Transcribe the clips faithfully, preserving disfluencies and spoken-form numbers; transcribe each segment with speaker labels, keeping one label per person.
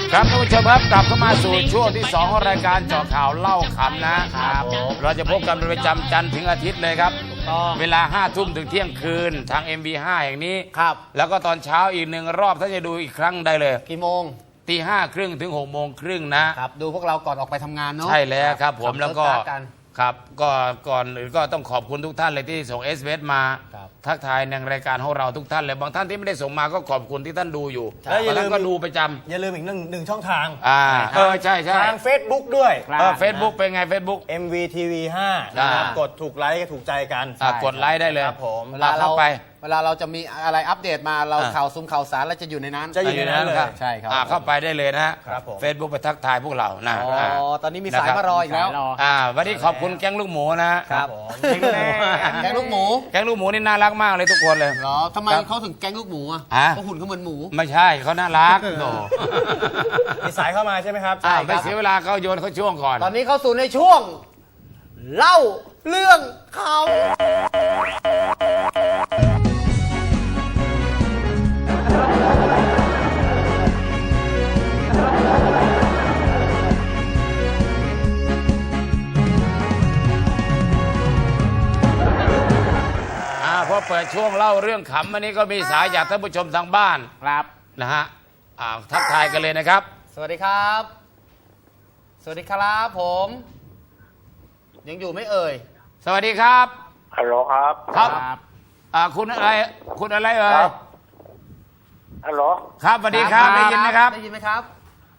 Speaker 1: ครับท่านผู้ชมครับกลับเข้ามาสู่ช่วงที่สองของรายการเจาะข่าวเล่าขำนะครับเราจะพบกันเป็นประจำจันทร์ถึงอาทิตย์เลยครับเวลาห้าทุ่มถึงเที่ยงคืนทาง เอ็ม วี ห้า แห่งนี้ครับแล้วก็ตอนเช้าอีกหนึ่งรอบถ้าจะดูอีกครั้งได้เลย
Speaker 2: กี่โมง
Speaker 1: ตีห้าครึ่งถึงหกโมงครึ่งนะครับ
Speaker 2: ดูพวกเราก่อนออกไปทำงานเนาะ
Speaker 1: ใช่แล้วครับผมแล้วก็ครับก็ก่อนอื่นก็ต้องขอบคุณทุกท่านเลยที่ส่ง เอส เอ็ม เอส มาทักทายในรายการของเราทุกท่านเลยบางท่านที่ไม่ได้ส่งมาก็ขอบคุณที่ท่านดูอยู่บางท่านก็ดูประจำ
Speaker 3: อย่าลืมอีกหนึ่งหนึ่งช่องทาง
Speaker 1: อ่าเออใช่ใช่
Speaker 3: ทาง Facebook ด้วย
Speaker 1: เออ Facebook เป็นไง Facebook
Speaker 3: เอ็ม วี ที วี ห้า นะครับกดถูกไลค์ถูกใจกัน
Speaker 1: กดไลค์ได้เลย
Speaker 3: ครับผม
Speaker 2: เวลาเราไปเวลาเราจะมีอะไรอัปเดตมาเราข่าวซุ้มข่าวสารเราจะอยู่ในนั้น
Speaker 3: จะอยู่ในนั้นเลย
Speaker 2: ใช่ครับ
Speaker 1: เข้าไปได้เลยนะครับเฟซบุ๊กไปทักทายพวกเรานะ
Speaker 2: อ๋อตอนนี้มีสายมารออีกแล้ว
Speaker 1: อ่าวันนี้ขอบคุณแก๊งลูกหมูนะครับ
Speaker 2: แก๊งลูกหมู
Speaker 1: แก๊งลูกหมูนี่น่ารักมากเลยทุกคนเลย
Speaker 2: เหรอทำไมเขาถึงแก๊งลูกหมูอ่ะเพราะหุ่นเขาเหมือนหมู
Speaker 1: ไม่ใช่เขาน่ารักโน
Speaker 3: มีสายเข้ามาใช่ไหมครับ
Speaker 1: ใช่ไม่เสียเวลาเขาโยนเขาช่วงก่อน
Speaker 2: ตอนนี้เข้าสู่ในช่วงเล่าเรื่องเขา
Speaker 1: พอเปิดช่วงเล่าเรื่องขำวันนี้ก็มีสายจากท่านผู้ชมทางบ้าน
Speaker 2: ครับ
Speaker 1: นะฮะทักทายกันเลยนะครับ
Speaker 2: สวัสดีครับสวัสดีครับผมยังอยู่ไม่เอ่ย
Speaker 1: สวัสดีครับ
Speaker 4: ฮัลโหลครับ
Speaker 1: ครับอ่าคุณอะไรคุณอะไรเอ่ย
Speaker 4: ฮัลโหล
Speaker 1: ครับสวัสดีครับได้ยินไหมครับ
Speaker 2: ได้ยินไหมครับ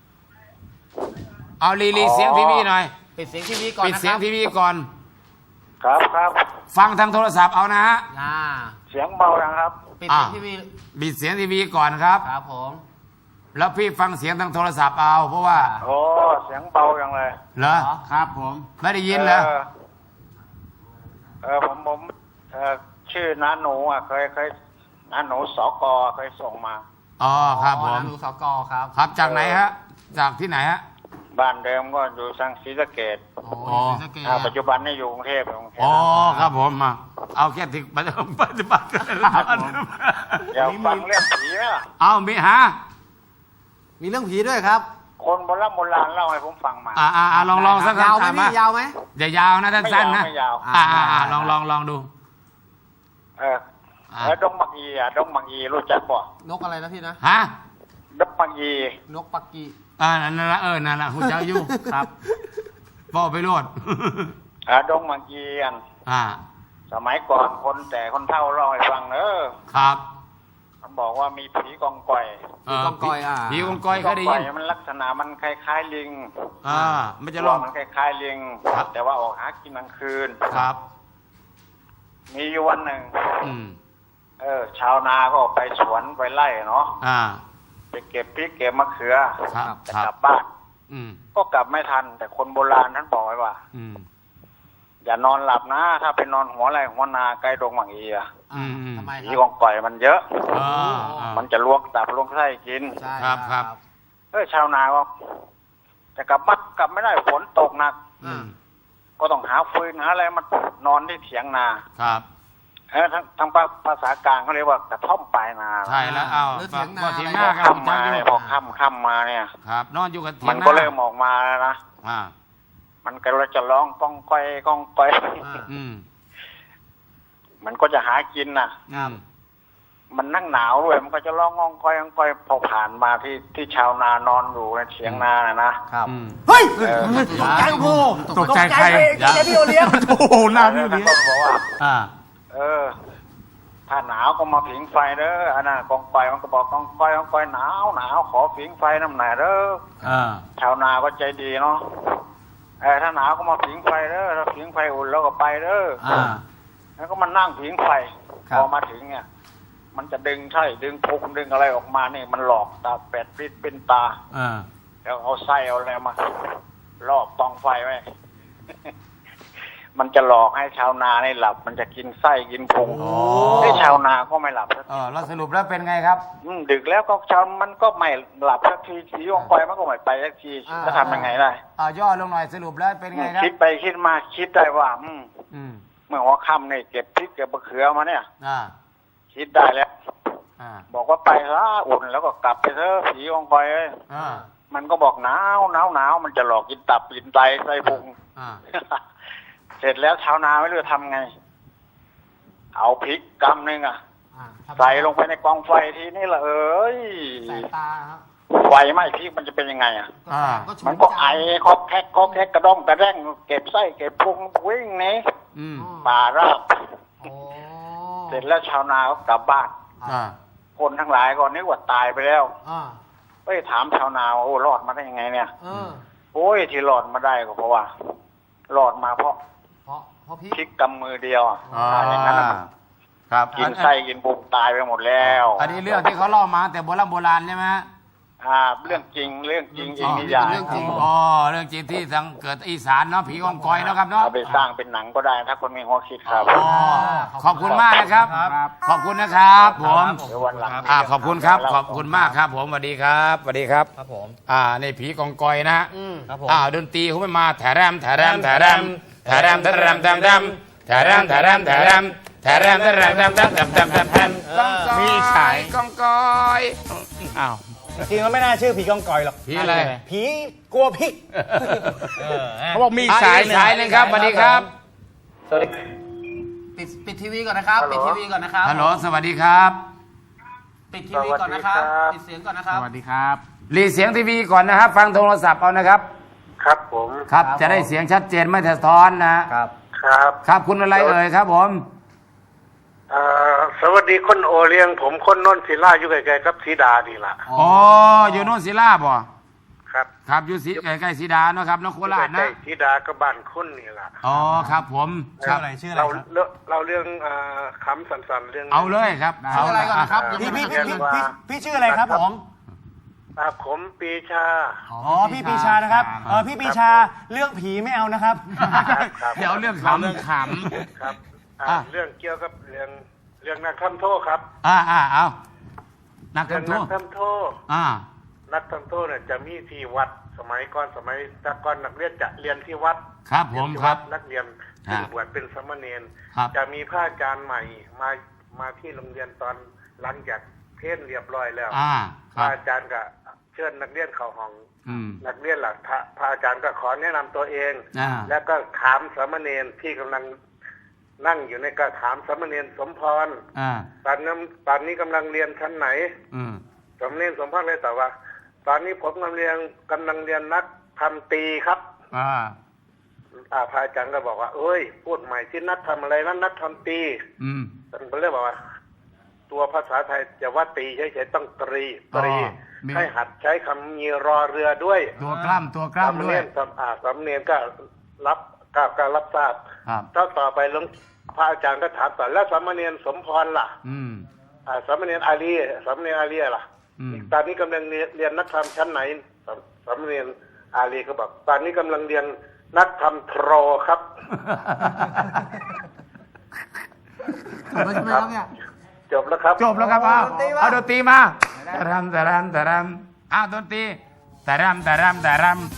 Speaker 1: เอารีรีเสียงทีวีหน่อย
Speaker 2: ปิดเสียงทีวีก่อน
Speaker 1: ปิดเสียงทีวีก่อน
Speaker 4: ครับครับ
Speaker 1: ฟังทางโทรศัพท์เอานะฮะ
Speaker 4: เสียงเบาดังครับ
Speaker 2: ปิดเสียงทีวี
Speaker 1: ปิดเสียงทีวีก่อนครับ
Speaker 2: ครับผม
Speaker 1: แล้วพี่ฟังเสียงทางโทรศัพท์เอาเพราะว่า
Speaker 4: โอ้เสียงเบาจังเลย
Speaker 1: เหรอ
Speaker 2: ครับผม
Speaker 1: ไม่ได้ยินเหรอ
Speaker 4: เออผมผมเออชื่อน้าหนูอ่ะเคยเคยน้าหนูสกเคยส่งมา
Speaker 1: อ๋อครับผม
Speaker 2: น้าหนูสกครับ
Speaker 1: ครับจากไหนฮะจากที่ไหนฮะ
Speaker 4: บ้านเดิมก็อยู่สังศรีสะเกษ
Speaker 2: อ๋อศรีสะเกษ
Speaker 4: ปัจจุบันนี่อยู่กรุงเทพกรุงเทพ
Speaker 1: อ๋อครับผมมาเอาแค่ถึงปัจจุบันปัจจุบัน
Speaker 4: อยากฟังเรื่องผีไหมล่ะ
Speaker 1: เอามีฮะ
Speaker 2: มีเรื่องผีด้วยครับ
Speaker 4: คนโบราณโบราณเล่าให้ผมฟังมา
Speaker 1: อ่าอ่าลองลองสักค
Speaker 2: รั้งยาวไหมยาวไหม
Speaker 1: อย่ายาวนะสั้นๆนะ
Speaker 4: ไม่ยาว
Speaker 1: อ่าอ่าลองลองลองดู
Speaker 4: เออแล้วดงบักอีอ่ะดงบักอีรู้จักป่ะ
Speaker 2: นกอะไรนะพี่นะ
Speaker 1: ฮะ
Speaker 4: ดงบักอี
Speaker 2: นกปักกี
Speaker 1: อ่านั่นละเออนั่นละหุ่นเจ้าอยู่ครับพ่อไปโลด
Speaker 4: อ่าดงบักอีอัน
Speaker 1: อ่า
Speaker 4: สมัยก่อนคนแต่คนเฒ่าเล่าให้ฟังเออ
Speaker 1: ครับ
Speaker 4: มันบอกว่ามีผีกองกอย
Speaker 2: ผีกองกอยอ่ะ
Speaker 1: ผีกองกอยเคยได้ยิน
Speaker 4: มันลักษณะมันคล้ายๆลิง
Speaker 1: อ่ามันจะร้อง
Speaker 4: มันคล้ายๆลิงแต่ว่าออกหากินกลางคืน
Speaker 1: ครับ
Speaker 4: มีอยู่วันหนึ่ง
Speaker 1: อืม
Speaker 4: เออชาวนาก็ไปสวนไปไร่เนาะ
Speaker 1: อ่า
Speaker 4: ไปเก็บพริกเก็บมะเขือจะกลับบ้าน
Speaker 1: ก็
Speaker 4: กลับไม่ทันแต่คนโบราณท่านบอกไว้ว่าอย่านอนหลับนะถ้าไปนอนหัวไร่หัวนาใกล้ดงหมังอีอ่ะผีกองก่อยมันเยอะมันจะลวกตับลวกไส้กิน
Speaker 1: ครับครับ
Speaker 4: เออชาวนาก็จะกลับบ้านกลับไม่ได้ฝนตกหนักก็ต้องหาฟืนหาอะไรมานอนที่เถียงนา
Speaker 1: ครับ
Speaker 4: เออทั้งทั้งภาษากลางเขาเรียกว่ากระท่อมปลายนา
Speaker 1: ใช่แล้วเอาพอเถียงนา
Speaker 4: ค่ำมาเนี่ยพอค่ำค่ำมาเนี่ย
Speaker 1: ครับนอนอยู่กับเถียงนา
Speaker 4: มันก็เริ่มออกมาแล้วนะ
Speaker 1: อ่า
Speaker 4: มันก็เลยจะร้องก้องก้อยก้องก้อยมันก็จะหากินน่ะมันนั่งหนาวด้วยมันก็จะร้องก้องก้อยก้องก้อยพอผ่านมาที่ที่ชาวนานอนอยู่ในเถียงนาน่ะนะครับ
Speaker 2: เฮ้ย
Speaker 1: ตกใจโอ้ตกใจใคร
Speaker 2: ตกใจพี่โอเลี้ยง
Speaker 1: โอ้โหน้าพี่โอเลี้ยง
Speaker 4: ก็บอกว่า
Speaker 1: อ่า
Speaker 4: เออถ้าหนาวก็มาผิงไฟเด้ออันนั้นกองไฟมันก็บอกกองไฟกองไฟหนาวหนาวขอผิงไฟน้ำหน่อยเด้อชาวนาก็ใจดีเนาะเออถ้าหนาวก็มาผิงไฟเด้อถ้าผิงไฟอุ่นแล้วก็ไปเด้อแล้วก็มันนั่งผิงไฟพอมาถึงเนี่ยมันจะดึงใช่ดึงพุงดึงอะไรออกมานี่มันหลอกตาแปดปิดเป็นตาแล้วเอาไส้เอาอะไรมาลอบตองไฟไว้ มันจะหลอกให้ชาวนาในหลับมันจะกินไส้กินพุงให้ชาวนาก็ไม่หลับสัก
Speaker 1: ทีเราสรุปแล้วเป็นไงครับ
Speaker 4: ดึกแล้วก็ชาวมันก็ไม่หลับสักทีสีวงไฟมันก็ไม่ไปสักทีจะทำยังไงได้
Speaker 1: อ่าย่อลงหน่อยสรุปแล้วเป็นไงครับ
Speaker 4: คิดไปคิดมาคิดได้ว่าอืมเมื่อหัวค่ำเนี่ยเก็บพริกเก็บมะเขือมาเนี่ยคิดได้แล้วบอกว่าไปซะอุ่นแล้วก็กลับไปเถอะผีวงไฟมันก็บอกหนาวหนาวหนาวมันจะหลอกกินตับกินไตไส้พุง
Speaker 1: อ่า
Speaker 4: เสร็จแล้วชาวนาไม่รู้จะทำไง เอาพริกกำหนึ่งอ่ะ
Speaker 2: อ่าทำ
Speaker 4: ใส่ลงไปในกองไฟทีนี่ละเอ้ย
Speaker 2: แสบตาครับ
Speaker 4: ไฟไหม้พริกมันจะเป็นยังไงอ่ะ
Speaker 1: อ่า
Speaker 2: ฉุ
Speaker 4: มันก็ไอคอกแคกคอกแคกกระด้องกระแด้งเก็บไส้เก็บพุงวิ่งหนี่
Speaker 1: อืม
Speaker 4: ป่าราบ
Speaker 2: โอ้
Speaker 4: เสร็จแล้วชาวนาก็กลับบ้าน
Speaker 1: อ่า
Speaker 4: คนทั้งหลายก็นึกว่าตายไปแล้ว
Speaker 2: อ่า
Speaker 4: เอ้ยถามชาวนาว่าโอ้รอดมาได้ยังไงเนี่ย
Speaker 2: เออ
Speaker 4: โอ้ยที่รอดมาได้ก็เพราะว่า รอดมาเพราะ
Speaker 2: เพราะเพราะพี่
Speaker 4: พริกกำมือเดียวอ่ะ
Speaker 1: อ่า
Speaker 4: ถ้าอย่างนั้นน่ะมัน
Speaker 1: ครับ
Speaker 4: กินไส้กินพุงตายไปหมดแล้ว
Speaker 1: อันนี้เรื่องที่เขาเล่ามาแต่โบราณโบราณใช่ไหมฮะ
Speaker 4: อ่าเรื่องจริงเรื่องจริงจริงนิยาย
Speaker 2: เรื่องจริง
Speaker 1: อ๋อเรื่องจริงที่ทางเกิดอีสานเนาะผีกองกอยเนาะครับเนาะ
Speaker 4: เอาไปสร้างเป็นหนังก็ได้ถ้าคนมีหัวคิดครับ
Speaker 1: อ๋อขอบคุณมากนะครับ ขอบคุณนะครับผม
Speaker 4: เดี๋ยววันหลัง
Speaker 1: อ่าขอบคุณครับ ขอบคุณมากครับ ผมสวัสดีครับสวัสดีครับ
Speaker 3: ครับผม
Speaker 1: อ่าในผีกองกอยนะฮะ
Speaker 2: อืม
Speaker 3: ครับผม
Speaker 1: อ่าดนตรีเขาไม่มาแถแรมแถแรมแถแรมแถแรมแถแรมแถแรมแถแรมแถแรมแถแรมแถแรมแถแรมแถแรมแถแรมแถแรมแถแรมกองกอย
Speaker 3: มีสาย
Speaker 1: กองกอยอ้าว
Speaker 3: จริงๆแล้วไม่น่าชื่อผีกองกอยหรอก
Speaker 1: ผีอะไร
Speaker 3: ผีกลัวพริกเออ
Speaker 1: เขาบอกมีสายสายหนึ่งครับสวัสดีครับ
Speaker 2: ปิดปิดทีวีก่อนนะครับ ปิดทีวีก่อนนะครับ
Speaker 1: ฮัลโหลสวัสดีครับ
Speaker 2: ปิดทีวีก่อนนะครับ ปิดเสียงก่อนนะครับ
Speaker 1: สวัสดีครับรีเสียงทีวีก่อนนะครับ ฟังโทรศัพท์เอานะครับ
Speaker 4: ครับผม
Speaker 1: ครับ จะได้เสียงชัดเจนไม่สะท้อนนะ
Speaker 3: ครับ
Speaker 4: ครับ
Speaker 1: ครับคุณอะไรเอ่ยครับผม
Speaker 4: เอ่อสวัสดีคนโอเลียง ผมคนนนศิลาอยู่ใกล้ๆกับสีดาดีละ
Speaker 1: อ๋ออยู่โน่นศิลาบ่
Speaker 4: ครับ
Speaker 1: ครับอยู่สีใกล้ๆสีดาเนาะครับนครโคราชนะ
Speaker 4: สีดากับบ้านคุณนี่ละ
Speaker 1: อ๋อครับผมค
Speaker 3: ชื่อ
Speaker 1: รับ
Speaker 3: อะไรชื่ออะไร
Speaker 4: เรา
Speaker 3: ครับ
Speaker 4: เรื่องเราเรื่องอ่าคำสันๆเรื่อง
Speaker 1: เอาเลยครับ
Speaker 2: ชื่ออะไรก่อนนะครับ
Speaker 1: เา
Speaker 3: พี่พี่
Speaker 4: เรี
Speaker 3: พี่
Speaker 4: ยน
Speaker 3: พี่
Speaker 4: ว่า
Speaker 3: พี่พี่ชื่ออะไรครับผม
Speaker 4: อ่าผมปีชา
Speaker 3: อ๋อพี่ปีชานะครับเออพี่ปีชาเรื่องผีไม่เอานะครับ
Speaker 4: ครับ
Speaker 1: เดี๋ยวเรื่องขำเรื่องข
Speaker 4: ครับอ่า
Speaker 1: อ่ะ
Speaker 4: เรื่องเกี่ยวกับเรื่องเรื่องนักทำโทษครับ
Speaker 1: ำอ่าอ่าเอานัก
Speaker 4: เรื่อง
Speaker 1: ทำโท
Speaker 4: นัก
Speaker 1: ษ
Speaker 4: ทำโทษ
Speaker 1: อ่า
Speaker 4: นักทำโทษเนี่ยจะมีที่วัดสมัยก่อนสมัยแตะก่อนนักเรียนจะเรียนที่วัด
Speaker 1: ครับผม
Speaker 4: เยนที่
Speaker 1: ครั
Speaker 4: วั
Speaker 1: บ
Speaker 4: ดนักเรียน
Speaker 1: ฮะ
Speaker 4: ซึ่งบวชเป็นสามเณร
Speaker 1: ครับ
Speaker 4: จะมีพระอาจารย์ใหม่มามาที่โรงเรียนตอนหลังจากเทศน์เรียบร้อยแล้ว
Speaker 1: อ่า
Speaker 4: พ
Speaker 1: ครั
Speaker 4: ระ
Speaker 1: บ
Speaker 4: อาจารย์ก็เชิญนักเรียนเข้าห้อง
Speaker 1: อืม
Speaker 4: นักเรียนหลักพระพระอาจารย์ก็ขอแนะนำตัวเอง
Speaker 1: อ่า
Speaker 4: แล้วก็ถามสามเณรที่กำลังนั่งอยู่ในก็ถามสามเณรสมพร
Speaker 1: อ่า
Speaker 4: ตอนนั้นตอนนี้กำลังเรียนชั้นไหน
Speaker 1: อืม
Speaker 4: สามเณรสมพรเลยตอบว่า ตอนนี้ผมกำลังเรียนกำลังเรียนนักทำตีครับ
Speaker 1: อ่า
Speaker 4: อ่าพระอาจารย์ก็บอกว่า เอ้ย พูดใหม่ที่นักทำอะไรนั้นนักทำตี
Speaker 1: อืม
Speaker 4: ท่านก็เลยบอกว่า ตัวภาษาไทยจะว่าตีเฉยๆต้องตรีตรี
Speaker 1: อ๋อมี
Speaker 4: ให้หัดใช้คำมีรอเรือด้วย
Speaker 1: ตัวกล้ามตัวกล้าม
Speaker 4: สำ
Speaker 1: ด้ว
Speaker 4: เนี
Speaker 1: ย
Speaker 4: ยนสำอ่าสำเนียนก็รับก็ก็รับทราบ
Speaker 1: ครับ
Speaker 4: ถ้าต่อไปหลวงพระอาจารย์ก็ถามต่อแล้วสามเณรสมพรล่ะ
Speaker 1: อืม
Speaker 4: อ่าสามเณรอาลีสามเณรอาลีล่ะ
Speaker 1: อืม
Speaker 4: ตอนนี้กำลังเรียนเรียนนักธรรมชั้นไหนสามสามเณรอาลีก็บอก ตอนนี้กำลังเรียนนักธรรมโทรครับ
Speaker 2: จบแล้วใช่ไหมครับเนี่ย
Speaker 4: จบแล้วครับ
Speaker 1: จบแล้วครับเอา
Speaker 2: ดนตรีมา
Speaker 1: เอาดนตรีมาแต่รำแต่รำแต่รำอ้าวดนตรีแต่รำแต่รำแต่รำ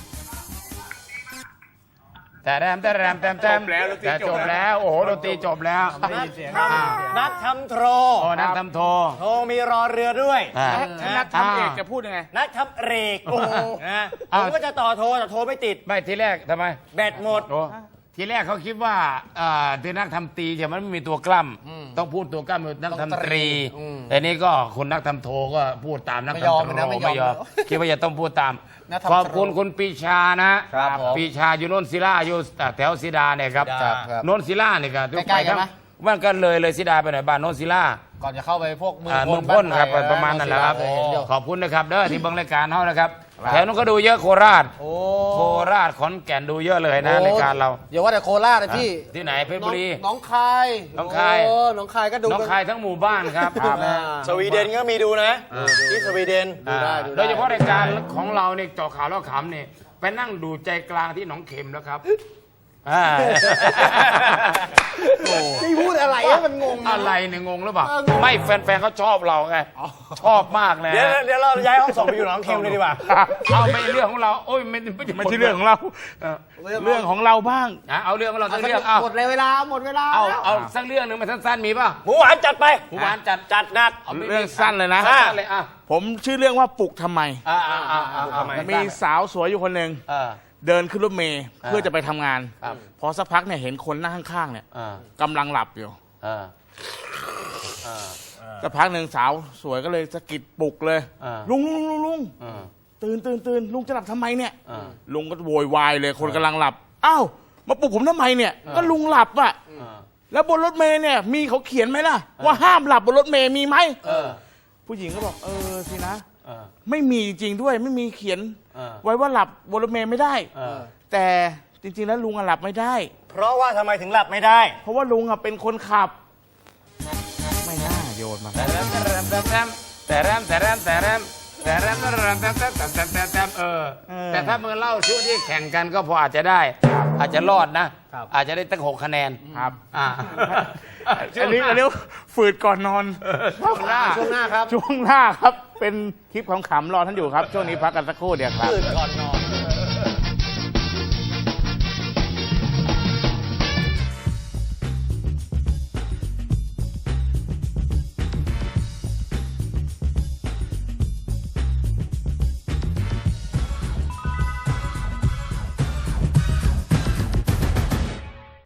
Speaker 1: แต่รำแต่รำแต่แต่แต่จบแล้วโอ้โหดนตรีจบแล้ว
Speaker 3: นักทำโทร
Speaker 1: โอ้นักทำโท
Speaker 3: โทรมีรอเรือด้วย
Speaker 1: อ่า
Speaker 3: นักทำเอกจะพูดยังไง นักทำเรกโอ้โหนะผ
Speaker 1: อ้าว
Speaker 3: มก็จะต่อโทรแต่โทรไม่ติด
Speaker 1: ไม่ทีแรกทำไม
Speaker 3: แบตหมด
Speaker 1: โอ้ทีแรกเขาคิดว่าเอ่อที่นักทำตีจะมันไม่มีตัวกล้ำต้องพูดตัวกล้ำคือนักทำตรี
Speaker 2: อืม
Speaker 1: แต่นี่ก็คนนักทำโทก็พูดตามนัก
Speaker 2: ไม่
Speaker 1: ทำ
Speaker 2: ยอม
Speaker 1: โท
Speaker 2: นะไม่ยอม
Speaker 1: ไม่ยอมคิดว่าจะต้องพูดตาม
Speaker 2: นักทำโท
Speaker 1: ขอบคุณคุณปีชานะครับ
Speaker 2: ผม
Speaker 1: ปีชาอยู่โนนศิลาอยู่แถวศิดาเนี่ยครับ
Speaker 3: ครับครับ
Speaker 1: โนนศิลาเนี่ยครับ
Speaker 2: ใกล้ๆกันไหม
Speaker 1: มันก็เลยเลยศิดาไปหน่อยบ้านโนนศิลา
Speaker 2: ก่อนจะเข้าไปพวกเมือง
Speaker 1: อ่า
Speaker 2: พ
Speaker 1: เมื
Speaker 2: ล
Speaker 1: องพ้นครับ
Speaker 2: านไทย
Speaker 1: ประมาณนั้นแหละครับ
Speaker 2: เห็นอยู่
Speaker 1: ขอบคุณนะครับเด้อที่เบิ่งรายการเฮานะครับแถวนู้นก็ดูเยอะโคราช
Speaker 2: โอ้
Speaker 1: โคราชขอนแก่นดูเยอะเลยนะรายการเรา
Speaker 2: อย่าว่าแต่โคราชนะพี่
Speaker 1: ที่ไหนเพชรบุรี
Speaker 2: น้องคาย
Speaker 1: น้องคาย
Speaker 2: โอ้น้องคายก็ดู
Speaker 1: น้องคายทั้งหมู่บ้านครับ
Speaker 2: ครับ
Speaker 3: สวีเดนก็มีดูนะที่สวีเดน
Speaker 2: ดูได้ดูได้
Speaker 1: โดยเฉพาะรายการของเราเนี่ยเจาะข่าวแล้วขำเนี่ยไปนั่งดูใจกลางที่หนองเข็มแล้วครับอ่า
Speaker 3: นี่พูดอะไรให้มันงง
Speaker 1: อะไรเนี่ยงงหรือเปล่าไม่แฟนๆเขาชอบเราไงชอบมากเลย
Speaker 3: เดี๋ยวเดี๋ยวเราย้ายห้องส่งไปอยู่หนองเค็มเลยดีกว่า
Speaker 1: เอาไม่เรื่องของเราโอ้ยไม่
Speaker 5: ไม่ใช่เรื่องของเรา เรื่องของเราบ้าง
Speaker 1: อ่ะเอาเรื่องของเราสักเรื่องเอา
Speaker 2: หมดเลยเวลาหมดเวลา
Speaker 1: เอา
Speaker 2: แล้ว
Speaker 1: เอาสักเรื่องหนึ่งมาสั้นๆมีป่ะ
Speaker 3: หมูหวานจัดไป
Speaker 1: หมูหวานจัด
Speaker 3: จัดนัด
Speaker 1: าไม่
Speaker 5: เรื่องสั้นเลยนะ
Speaker 1: สั้นเลยอ่ะ
Speaker 5: ผมชื่อเรื่องว่าปลุกทำไม
Speaker 1: อ่าอ่าอ่าอ่า
Speaker 3: ทำไม
Speaker 5: มีสาวสวยอยู่คนหนึ่ง
Speaker 1: เออ
Speaker 5: เดินขึ้นรถเมล์เพื่อจะไปทำงาน
Speaker 1: ครับ
Speaker 5: พอสักพักเนี่ยเห็นคนนั่งข้างๆเนี่ย
Speaker 1: เออก
Speaker 5: ำลังหลับอยู่
Speaker 1: เออเออ
Speaker 5: สักพักหนึ่งสาวสวยก็เลยสะกิดปลุกเลย
Speaker 1: อ่า
Speaker 5: ลุงลุงลุงลุง
Speaker 1: เออ
Speaker 5: ตื่นตื่นตื่นลุงจะหลับทำไมเนี่ย
Speaker 1: เออ
Speaker 5: ลุงก็โวยวายเลยคนกำลังหลับอ้าวมาปลุกผมทำไมเนี่ย ก็ลุงหลับอ่ะ
Speaker 1: เออ
Speaker 5: แล้วบนรถเมล์เนี่ยมีเขาเขียนไหมล่ะ ว่าห้ามหลับบนรถเมล์มีไหม
Speaker 1: เออ
Speaker 5: ผู้หญิงก็บอกเออสินะ
Speaker 1: เออ
Speaker 5: ไม่มีจริงๆด้วยไม่มีเขียน
Speaker 1: เออ
Speaker 5: ไว้ว่าหลับบนรถเมล์ไม่ได้
Speaker 1: เออ
Speaker 5: แต่จริงๆแล้วลุงอะหลับไม่ได้
Speaker 3: เพราะว่าทำไมถึงหลับไม่ได้
Speaker 5: เพราะว่าลุงอะเป็นคนขับ ไม่น่าโยนมา
Speaker 1: แต่แรมแต่แรมแต่แรมแต่แรมแต่แรมแต่แรมแต่แรมแต่แรมแต่แรมแต่แรมแต่แรมเออ แต่ถ้ามึงเล่าช่วงที่แข่งกันก็พออาจจะได้ อาจจะรอดนะ อาจจะได้ตั้งหกคะแนน
Speaker 5: ครับ
Speaker 1: อ่า
Speaker 5: อันนี้อันนี้ฝืดก่อนนอน
Speaker 1: ช่วงหน้า
Speaker 2: ช่วงหน้าครับ
Speaker 5: ช่วงหน้าครับ เป็นคลิปขำๆรอท่านอยู่ครับ ช่วงนี้พักกันสักครู่เดียวครับ
Speaker 3: ตื่นก่อนนอน